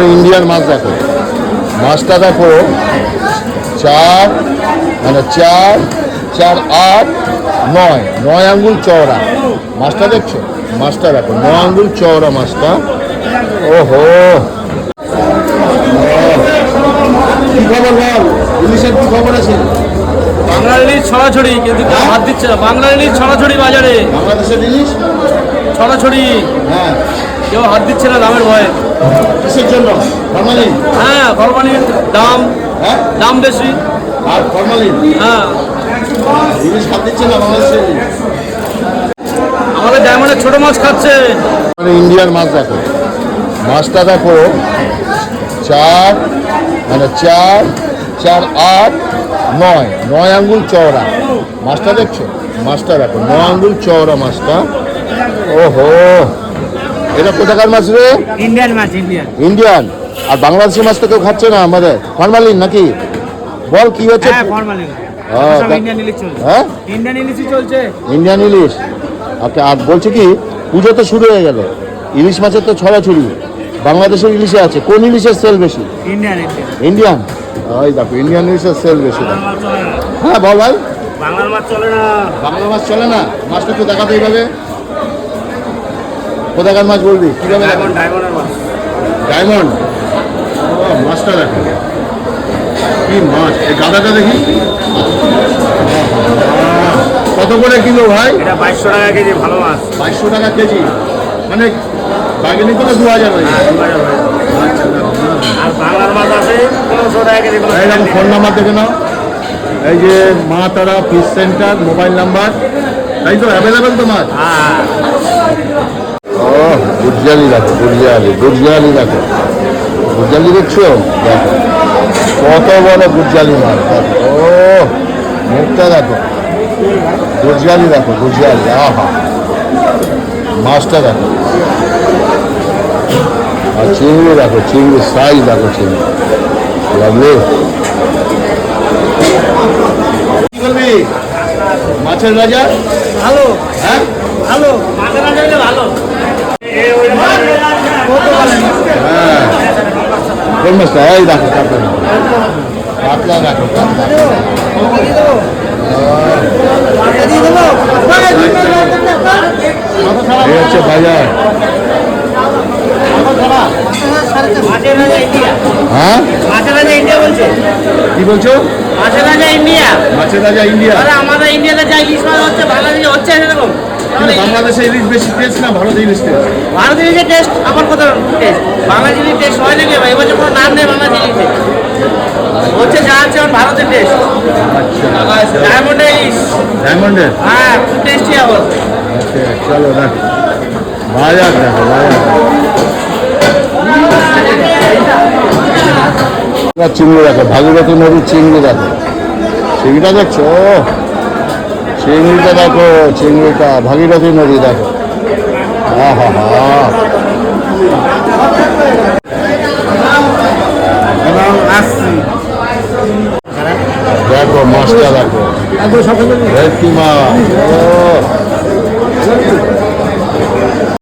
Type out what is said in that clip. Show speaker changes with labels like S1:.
S1: Indian মাছ দেখো, মাছটা দেখো 4 মানে 4 4 8 9 আঙ্গুল চওড়া মাছটা দেখছো, মাছটা দেখো 9 আঙ্গুল চওড়া মাছটা। ওহো কি খবর বল, ইলিশের কি খবর আছে?
S2: বাংলার ইলিশ ছড়াছড়ি, কিন্তু কেউ হাত দিচ্ছে না। বাংলার ইলিশ ছড়াছড়ি বাজারে,
S1: বাংলাদেশের ইলিশ
S2: ছড়াছড়ি,
S1: হ্যাঁ
S2: কেউ হাত দিচ্ছে না দামের ভয়ে।
S1: কিসের জন্য? ফরমালিন?
S2: হ্যাঁ, ফরমালিন দাম,
S1: হ্যাঁ
S2: দাম বেশি।
S1: আর ফরমালিন,
S2: হ্যাঁ,
S1: ইলিশ খাত দিচ্ছে না বাংলাদেশের ইলিশ।
S2: আমাদের ডায়মন্ডের ছোট মাছ খাচ্ছে।
S1: ইন্ডিয়ান মাছ দেখো, মাছটা দেখো 4 মানে 4 4 8 9 আঙ্গুল চওড়া মাছটা দেখছো, মাছটা দেখো 9 আঙ্গুল চওড়া মাছটা। ওহো এটা কোথাকার মাছ রে?
S2: ইন্ডিয়ান মাছ, ইন্ডিয়ান।
S1: ইন্ডিয়ান। আর বাংলাদেশের মাছ তো কেউ খাচ্ছে না আমাদের, ফরমালিন নাকি? বল কি হচ্ছে?
S2: হ্যাঁ, ফরমালিন। ইন্ডিয়ান ইলিশ চলছে।
S1: হ্যাঁ,
S2: ইন্ডিয়ান ইলিশই চলছে।
S1: ইন্ডিয়ান ইলিশ। ওকে, আর বলছে কি পুজো তো শুরু হয়ে গেল, ইলিশ মাছের তো ছড়াছড়ি। বাংলাদেশের ইলিশে আছে, কোন ইলিশের সেল বেশি?
S2: Indian,
S1: Indian. ওই দেখো ইন্ডিয়ান ইলিশের সেল বেশি। হ্যাঁ বল ভাই।
S2: বাংলার মাছ চলে না।
S1: বাংলা মাছ চলে না? মাছটা একটু দেখাতে এইভাবে, কোথাকার মাছ বলবি কিভাবে?
S2: ডায়মন্ডের মাছ।
S1: ডায়মন্ড। ও মাছটা দেখো কি মাছ, এই গাদাটা দেখি কত করে কিলো ভাই?
S2: এটা 2200 টাকা কেজি, ভালো মাছ।
S1: 2200 টাকা কেজি, মানে বাগিনি করে 2000 হয়ে যায়।
S2: আর বাংলার মাছ আছে 1500 টাকা কেজি।
S1: এইরকম ফোন নাম্বার দেখে নাও, এই যে মা তারা ফিশ সেন্টার, মোবাইল নাম্বার, তাই তো অ্যাভেলেবেল তো মাছ। ও গুজরালি দেখো, গুজরালি দেখো, গুজরালি দেখছো? দেখো কত বড় গুজরালি মাছ দেখো, ও মুখটা দেখো, গুজরালি দেখো, গুজরালি। আহা মাছটা দেখো, আর চিংড়ি দেখো, চিংড়ি সাইজ দেখো, চিংড়ি লাগলে। কি করবি মাছের বাজার?
S2: ভালো,
S1: হ্যাঁ
S2: ভালো মাছের রাজা হলে ভালো।
S1: হ্যাঁ কোন মাছটা? এই দেখো কাতলা, কাতলা দেখো, কাতলা। এই হচ্ছে বাজার। হ্যাঁ
S2: মাছের রাজা ইন্ডিয়া বলছে।
S1: কি বলছো?
S2: মাছের রাজা ইন্ডিয়া।
S1: মাছের রাজা ইন্ডিয়া।
S2: আমাদের ইন্ডিয়াতে যা ইলিশ মাছ হচ্ছে, বাংলাদেশে হচ্ছে এরকম।
S1: কিন্তু বাংলাদেশে ইলিশ বেশি টেস্ট না ভারত ইলিশ টেস্ট?
S2: ভারত ইলিশের টেস্ট আবার কত টেস্ট, বাংলাদেশ ইলিশ টেস্ট হয় নাকি? এবছর কোনো নাম নেই বাংলাদেশ ইলিশে, হচ্ছে যা আছে ভারতের টেস্ট।
S1: আচ্ছা
S2: ডায়মন্ডের ইলিশ,
S1: ডায়মন্ডের।
S2: হ্যাঁ খুব টেস্টি আবার।
S1: চলো দেখো বাজার, দেখো বাজার। চিংড়ি দেখো, ভাগীরথী নদীর চিংড়ি দেখো, চিংড়িটা দেখছো? চিংড়িটা দেখো, চিংড়িটা ভাগীরথী নদী দেখো। হ্যাঁ হ্যাঁ হ্যাঁ দেখো মাছটা দেখো, ভেটকি মাছ। ও